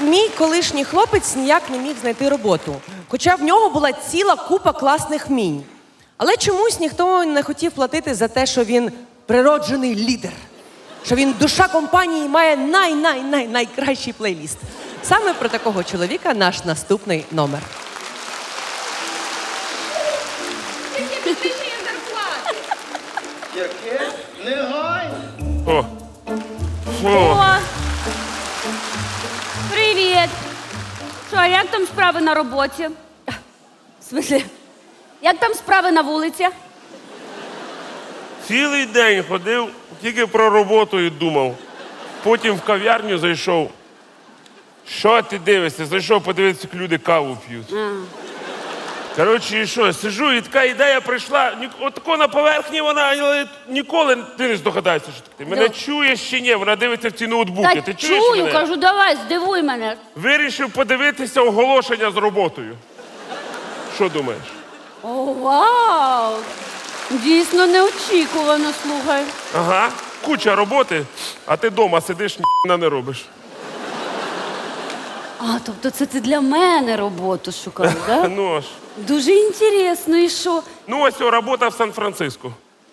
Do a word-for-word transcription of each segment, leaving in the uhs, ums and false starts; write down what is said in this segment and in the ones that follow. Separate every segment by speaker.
Speaker 1: мій колишній хлопець ніяк не міг знайти роботу, хоча в нього була ціла купа класних вмінь. Але чомусь ніхто не хотів платити за те, що він природжений лідер, що він душа компанії і має най-най-най-найкращий плейліст. Саме про такого чоловіка наш наступний номер.
Speaker 2: Яке? Негайно.
Speaker 3: О. О.
Speaker 4: О! Привіт! Що, а як там справи на роботі? В смислі, як там справи на вулиці?
Speaker 3: Цілий день ходив, тільки про роботу і думав. Потім в кав'ярню зайшов. Що ти дивишся? Зайшов подивитися, як люди каву п'ють.
Speaker 4: А.
Speaker 3: Коротше, і що, сижу, і така ідея прийшла. Ні- Отако на поверхні вона, але ніколи ти не здогадаєшся, що таке. Мене
Speaker 4: Да.
Speaker 3: чуєш чи ні? Вона дивиться в ці ноутбуки.
Speaker 4: Та
Speaker 3: Ти чуєш
Speaker 4: чую,
Speaker 3: мене?
Speaker 4: кажу, давай, здивуй мене.
Speaker 3: Вирішив подивитися оголошення з роботою. Що думаєш?
Speaker 4: О, вау! Дійсно неочікувано, слухай.
Speaker 3: Ага, куча роботи, а ти вдома сидиш, ні не робиш.
Speaker 4: А, тобто це ти для мене роботу шукав, так?
Speaker 3: Ну аж.
Speaker 4: Дуже інтересно, і що?
Speaker 3: Ну ось о, робота в Сан-Франциско.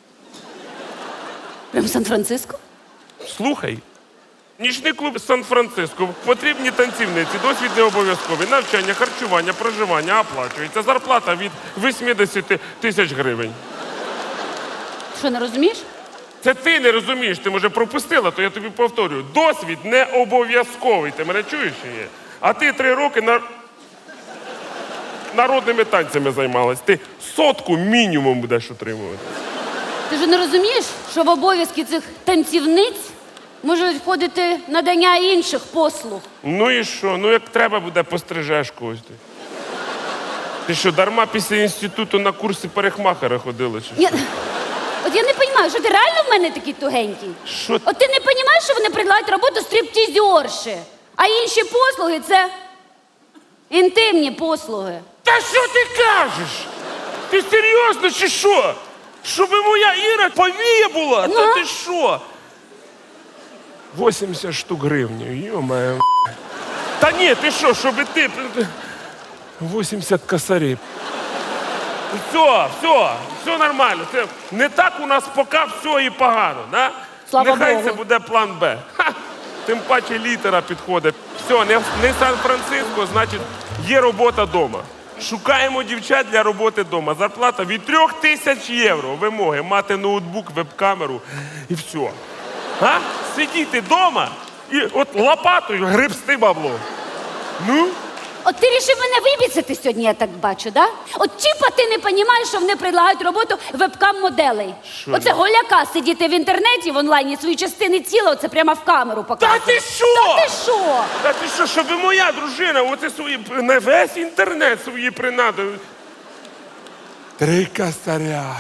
Speaker 4: Прям Сан-Франциско?
Speaker 3: Слухай. Нічний клуб Сан-Франциско. Потрібні танцівниці, досвід не обов'язковий. Навчання, харчування, проживання оплачується. Зарплата від вісімдесят тисяч гривень.
Speaker 4: Що, не розумієш?
Speaker 3: Це ти не розумієш, ти, може, пропустила, то я тобі повторюю. Досвід не обов'язковий. Ти мене чуєш чи ні? А ти три роки на... народними танцями займалась. Ти сотку мінімум будеш отримувати.
Speaker 4: Ти ж не розумієш, що в обов'язки цих танцівниць можуть входити надання інших послуг?
Speaker 3: Ну і що? Ну як треба буде, пострижеш когось. Ти, ти що, дарма після інституту на курси парикмахера ходила? Чи що?
Speaker 4: Я... От я не розумію, що ти реально в мене такий тугенький?
Speaker 3: Що?
Speaker 4: От ти не розумієш, що вони предлагають роботу стриптизерші, а інші послуги – це інтимні послуги.
Speaker 3: Та що ти кажеш? Ти серйозно чи що? Щоби моя Іра повія була?
Speaker 4: Ну?
Speaker 3: Та ти що? вісімдесят штук гривень, йо-моє. Та ні, ти що, щоби ти... вісімдесят косарів. Все, все, все нормально. Це не так у нас поки все і погано, да?
Speaker 4: Слава
Speaker 3: Нехай
Speaker 4: Богу.
Speaker 3: це буде план Б. Ха! Тим паче літера підходить. Все, не, не Сан-Франциско, значить, є робота вдома. Шукаємо дівчат для роботи вдома. Зарплата від трьох тисяч євро. Вимоги мати ноутбук, веб-камеру і все. А? Сидіти вдома і от лопатою гребсти бабло. Ну?
Speaker 4: От ти рішив мене вибіцяти сьогодні, я так бачу, да? От чіпа ти не розумієш, що вони предлагають роботу вебкам-моделей.
Speaker 3: Що?
Speaker 4: Оце голяка сидіти в інтернеті в онлайні, свої частини тіла, оце прямо в камеру
Speaker 3: Та
Speaker 4: показує.
Speaker 3: ти що?
Speaker 4: Та ти що?
Speaker 3: Та ти що, щоб моя дружина, оце свої, на весь інтернет свої принади. Три косаря.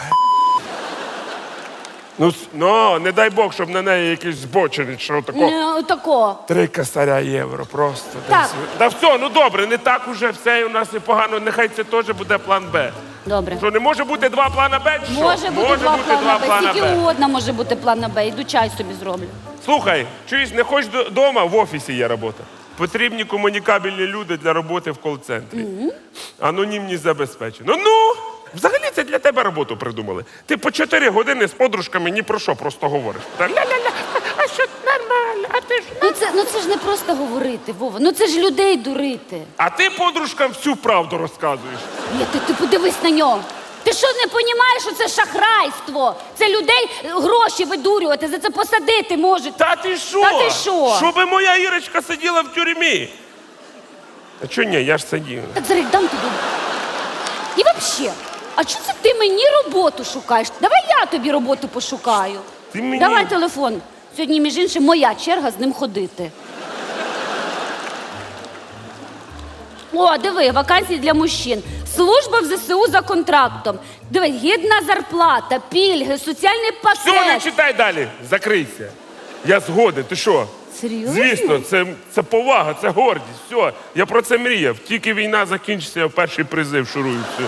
Speaker 3: Ну, с- ну, не дай Бог, щоб на неї якийсь збочений, що тако.
Speaker 4: Не, отако.
Speaker 3: Три косаря євро просто.
Speaker 4: Так.
Speaker 3: десь. Та все, ну добре, не так уже все у нас і погано, нехай це теж буде план Б.
Speaker 4: Добре.
Speaker 3: Що, не може бути два плана Б? чи що?
Speaker 4: Може бути два плана Б,
Speaker 3: плана
Speaker 4: скільки
Speaker 3: Б.
Speaker 4: угодно може бути плана Б. Іду чай собі зроблю.
Speaker 3: Слухай, чуєш, не хочеш вдома, в офісі є робота. Потрібні комунікабельні люди для роботи в кол-центрі. Mm-hmm. Анонімність забезпечено. Ну, взагалі це для тебе роботу придумали. Ти по чотири години з подружками ні про що просто говориш. Та ля-ля-ля, а що нормально, а ти ж...
Speaker 4: Ну це, ну це ж не просто говорити, Вова. Ну це ж людей дурити.
Speaker 3: А ти подружкам всю правду розказуєш.
Speaker 4: Ні, ти, ти подивись на нього. Ти що не розумієш, що це шахрайство? Це людей гроші видурювати, за це посадити можуть.
Speaker 3: Та ти що?
Speaker 4: Та ти що?
Speaker 3: Щоби моя Ірочка сиділа в тюрмі. А чого ні, я ж сидів.
Speaker 4: Так зараз дам тобі. І взагалі, а чого це ти мені роботу шукаєш? Давай я тобі роботу пошукаю.
Speaker 3: Ти мені-
Speaker 4: Давай телефон. Сьогодні, між іншим, моя черга з ним ходити. О, диви, вакансії для мужчин. Служба в ЗСУ за контрактом. Диви, гідна зарплата, пільги, соціальний
Speaker 3: Все, не
Speaker 4: пакет.
Speaker 3: читай далі. Закрийся. Я згоден. Ти що?
Speaker 4: Серйозно?
Speaker 3: Звісно, це, це повага, це гордість. Все, я про це мріяв. Тільки війна закінчиться, я в перший призив шурую. Все.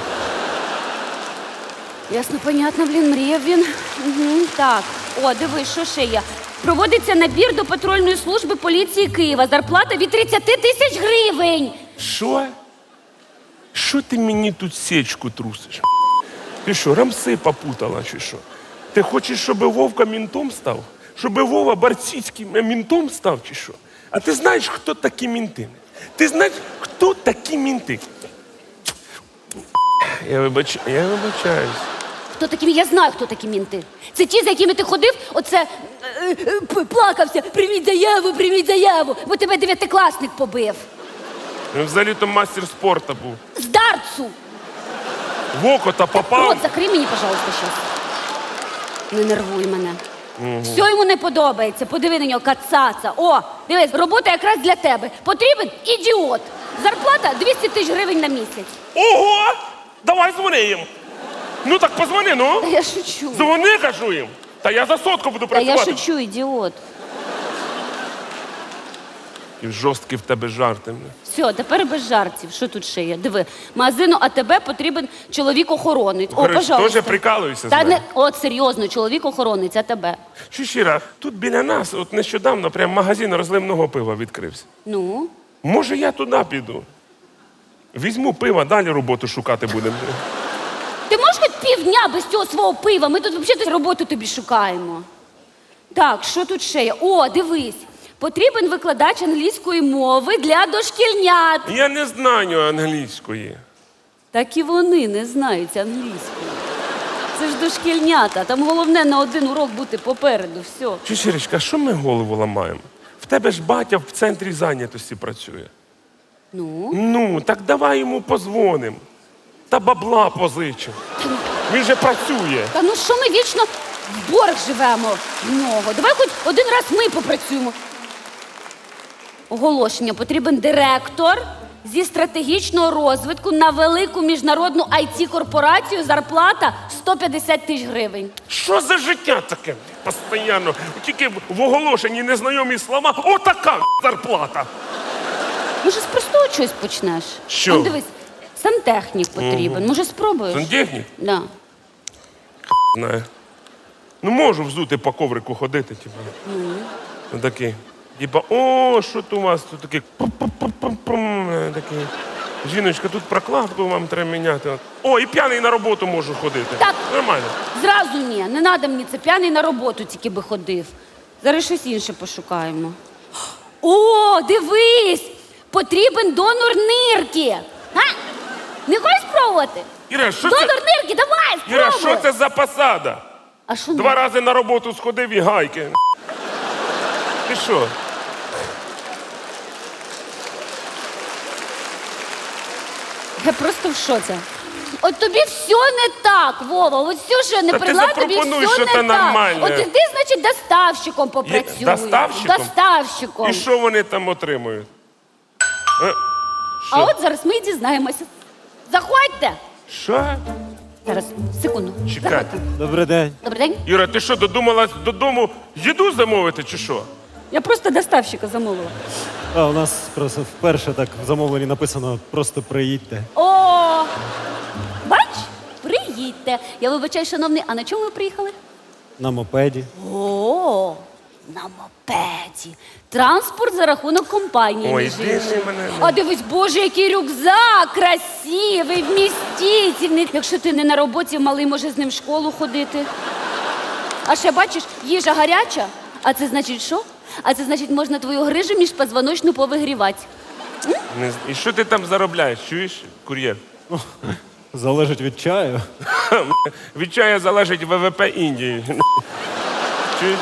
Speaker 4: Ясно, понятно, блін, мріяв він. Угу, так, о, диви, що ще є? Проводиться набір до патрульної служби поліції Києва. Зарплата від тридцять тисяч гривень.
Speaker 3: Що? Що ти мені тут сечку трусиш? Ти що, рамси попутала чи що? Ти хочеш, щоб Вовка мінтом став? Щоб Вова Барціцьким мінтом став чи що? А ти знаєш, хто такі мінти? Ти знаєш, хто такі мінти? Я, вибач... Я вибачаюсь.
Speaker 4: Хто такі? Я знаю, хто такі мінти. Це ті, за якими ти ходив, оце е, е, п- плакався. Прийміть заяву, прийміть заяву, бо тебе дев'ятикласник побив.
Speaker 3: Він взагалі-то мастер спорту був.
Speaker 4: З дартсу.
Speaker 3: В око та попав.
Speaker 4: Рот закрий мені, пожалуйста, щас. Не нервуй мене. Все йому не подобається. Подиви на нього, кацаца. О, дивись, робота якраз для тебе. Потрібен ідіот. Зарплата двісті тисяч гривень на місяць.
Speaker 3: Ого! Давай дзвони їм. Ну так позвони, ну.
Speaker 4: Та я шучу.
Speaker 3: Дзвони, кажу їм. Та я за сотку буду
Speaker 4: Та я
Speaker 3: працювати.
Speaker 4: шучу, ідіот.
Speaker 3: І жорсткі в тебе жарти.
Speaker 4: Все, тепер без жартів. Що тут ще є? Диви, магазину АТБ потрібен чоловік-охоронець. О,
Speaker 3: Коротше,
Speaker 4: пожалуйста.
Speaker 3: теж прикалуюся з
Speaker 4: Та
Speaker 3: мене.
Speaker 4: не, от серйозно, чоловік-охоронець АТБ.
Speaker 3: Що щира, тут біля нас, от нещодавно, прям магазин розливного пива відкрився.
Speaker 4: Ну?
Speaker 3: Може, я туди піду? Візьму пива, далі роботу шукати будемо.
Speaker 4: Ти можеш хоч півдня без цього свого пива? Ми тут взагалі роботу тобі шукаємо. Так, що тут ще є? О, дивись. Потрібен викладач англійської мови для дошкільнят.
Speaker 3: Я не знаю англійської.
Speaker 4: Так і вони не знають англійської. Це ж дошкільнята. Там головне на один урок бути попереду. Все.
Speaker 3: Чи Щирочка, що ми голову ламаємо? В тебе ж батя в центрі зайнятості працює.
Speaker 4: Ну?
Speaker 3: Ну, так давай йому позвонимо. Та бабла позичимо. Він же працює.
Speaker 4: Та ну що ми вічно в борг живемо в нього? Давай хоч один раз ми попрацюємо. Оголошення. Потрібен директор зі стратегічного розвитку на велику міжнародну ай ті-корпорацію. Зарплата сто п'ятдесят тисяч гривень.
Speaker 3: Що за життя таке? Постоянно. Тільки в оголошенні незнайомі слова. Отака зарплата.
Speaker 4: Може, з простого чогось почнеш?
Speaker 3: Що?
Speaker 4: Он, дивись, сантехнік потрібен. Може, спробуєш?
Speaker 3: Сантехнік?
Speaker 4: Да.
Speaker 3: Знаю. Ну, можу взути по коврику ходити, типу. Mm. Такий. Типа, о, що тут у вас тут такий. Пум-пум-пум-пум. Такий. Жіночка, тут прокладку вам треба міняти. О, і п'яний на роботу можу ходити.
Speaker 4: Так.
Speaker 3: Нормально.
Speaker 4: Зразу ні, не треба мені це. П'яний на роботу тільки би ходив. Зараз щось інше пошукаємо. О, дивись! Потрібен донор нирки. А? Не хочеш спробувати?
Speaker 3: Іра, що
Speaker 4: Донор
Speaker 3: це?
Speaker 4: нирки, давай, спробуй!
Speaker 3: Іра, що це за посада?
Speaker 4: А що
Speaker 3: Два
Speaker 4: не?
Speaker 3: рази на роботу сходив і гайки. Ти що?
Speaker 4: Я просто в шоці. От тобі все не так, Вова. От все, що я не
Speaker 3: Та ти
Speaker 4: прила, тобі
Speaker 3: запропонуй,
Speaker 4: все
Speaker 3: що
Speaker 4: не
Speaker 3: це
Speaker 4: так.
Speaker 3: нормальне.
Speaker 4: От іди, значить, доставщиком попрацюй.
Speaker 3: доставщиком?
Speaker 4: Доставщиком.
Speaker 3: І що вони там отримують? Е,
Speaker 4: А от зараз ми і дізнаємося. Заходьте.
Speaker 3: Що?
Speaker 4: Зараз, секунду.
Speaker 3: Чекайте.
Speaker 4: Заходьте.
Speaker 5: Добрий день.
Speaker 4: Добрий день.
Speaker 3: Іра, ти що, додумалась додому їду замовити чи що?
Speaker 4: Я просто доставщика замовила.
Speaker 5: А, у нас просто вперше так в замовленні написано просто приїдьте.
Speaker 4: О, бач, приїдьте. Я вибачаю, шановний, а на чому ви приїхали?
Speaker 5: На мопеді.
Speaker 4: О, на мопеді. Транспорт за рахунок компанії.
Speaker 3: Ой,
Speaker 4: між
Speaker 3: іди
Speaker 4: іншим.
Speaker 3: ти мене.
Speaker 4: А дивись, боже, який рюкзак красивий, вмістительний. Якщо ти не на роботі, малий може з ним в школу ходити. А ще бачиш, їжа гаряча. А це значить що? А це значить, можна твою грижу міжпозвоночну повигрівати.
Speaker 3: Не з- І що ти там заробляєш? Чуєш, кур'єр?
Speaker 5: Залежить від чаю.
Speaker 3: Від чая залежить Ве Ве Пе Індії. Чуєш?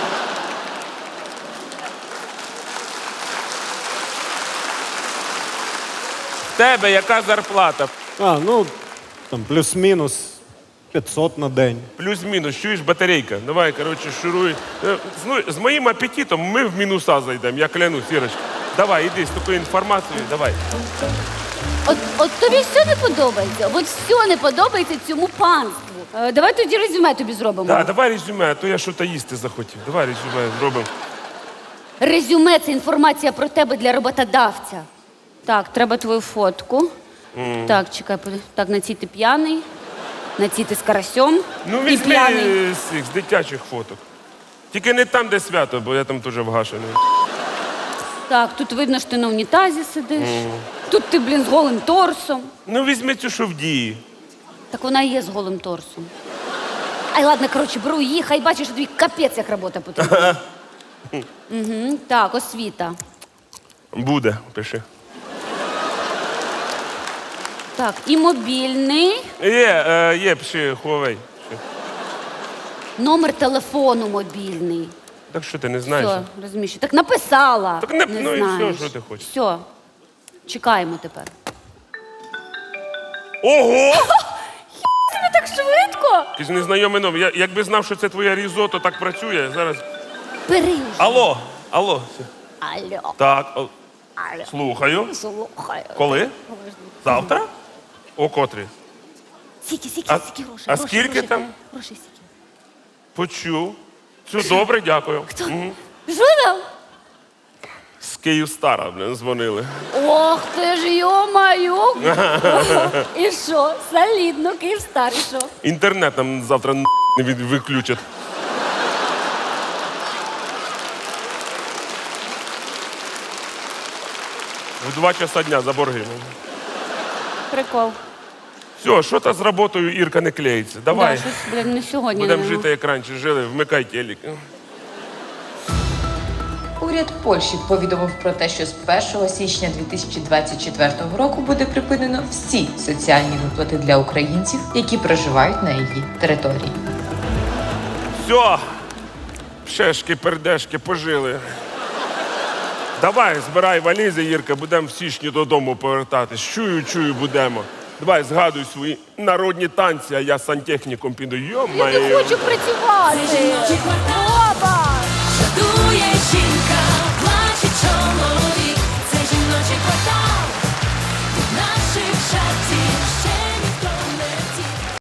Speaker 3: В тебе яка зарплата?
Speaker 5: А, ну, там плюс-мінус п'ятсот на день.
Speaker 3: Плюс-мінус, чуєш, батарейка. Давай, коротше, шуруй. Е, З, ну, з моїм апетитом ми в мінуса зайдемо, я клянусь, Ірочка. Давай, іди з такою інформацією, давай.
Speaker 4: От, от тобі все не подобається. От все не подобається цьому панству. Е, давай тоді резюме тобі зробимо.
Speaker 3: Да, давай резюме, а то я щось їсти захотів. Давай резюме зробимо.
Speaker 4: Резюме це інформація про тебе для роботодавця. Так, треба твою фотку. Так, чекай, под- так, на цій ти п'яний, на цій ти з карасьом
Speaker 3: Ну,
Speaker 4: і
Speaker 3: візьми
Speaker 4: п'яний.
Speaker 3: е, з цих з дитячих фоток. Тільки не там, де свято, бо я там теж вгашений.
Speaker 4: Так, тут видно, що ти на унітазі сидиш. Тут ти, блін, з голим торсом.
Speaker 3: Ну, візьми цю, що в дії.
Speaker 4: Так вона і є з голим торсом. Ай, ладно, коротше, беру її, хай бачиш, що тобі капець, як робота потрібна. Угу. Так, освіта.
Speaker 3: Буде, пиши.
Speaker 4: Так, і мобільний.
Speaker 3: Є, е, є, пиши, Huawei. Пиши.
Speaker 4: Номер телефону мобільний.
Speaker 3: Так що ти не знаєш?
Speaker 4: Все, розумієш. Так написала.
Speaker 3: Так не- ну і все,
Speaker 4: знаєш.
Speaker 3: що ти хочеш.
Speaker 4: Все. Чекаємо тепер.
Speaker 3: Ого!
Speaker 4: Тобі так швидко?
Speaker 3: Ти ж незнайомий номер. Я, якби знав, що це твоя різото так працює, зараз.
Speaker 4: Бери вже.
Speaker 3: Алло, алло.
Speaker 4: Алло.
Speaker 3: Так, о,
Speaker 4: Алло.
Speaker 3: слухаю.
Speaker 4: Слухай.
Speaker 3: Коли? Завтра? О котрі?
Speaker 4: Скільки, скільки,
Speaker 3: А-
Speaker 4: скільки грошей?
Speaker 3: а
Speaker 4: Грошей,
Speaker 3: скільки
Speaker 4: грошей,
Speaker 3: там?
Speaker 4: Грошей скільки?
Speaker 3: Почув. Все добре, дякую. Мгм.
Speaker 4: Що там?
Speaker 3: З Київстара, блін, дзвонили.
Speaker 4: Ох ти ж, йо-маю. І що? Солідно, Київстар, і що?
Speaker 3: Інтернет нам завтра н- не від- виключать. В два часа дня за борги.
Speaker 4: Прикол.
Speaker 3: Все, що то з роботою Ірка не клеїться. Давай.
Speaker 4: Да, щось, блін, не сьогодні.
Speaker 3: Будемо
Speaker 4: не-
Speaker 3: жити, як раніше жили, вмикай телек.
Speaker 6: Уряд Польщі повідомив про те, що з першого січня дві тисячі двадцять четвертого року буде припинено всі соціальні виплати для українців, які проживають на її території.
Speaker 3: Все. Пшешки, пердешки, пожили. Давай, збирай валізи, Ірка, будемо в січні додому повертатись. Чую, чую, будемо. Давай, згадуй свої народні танці, а я сантехніком піду.
Speaker 4: Я
Speaker 3: Йо-моє.
Speaker 4: не хочу працювати.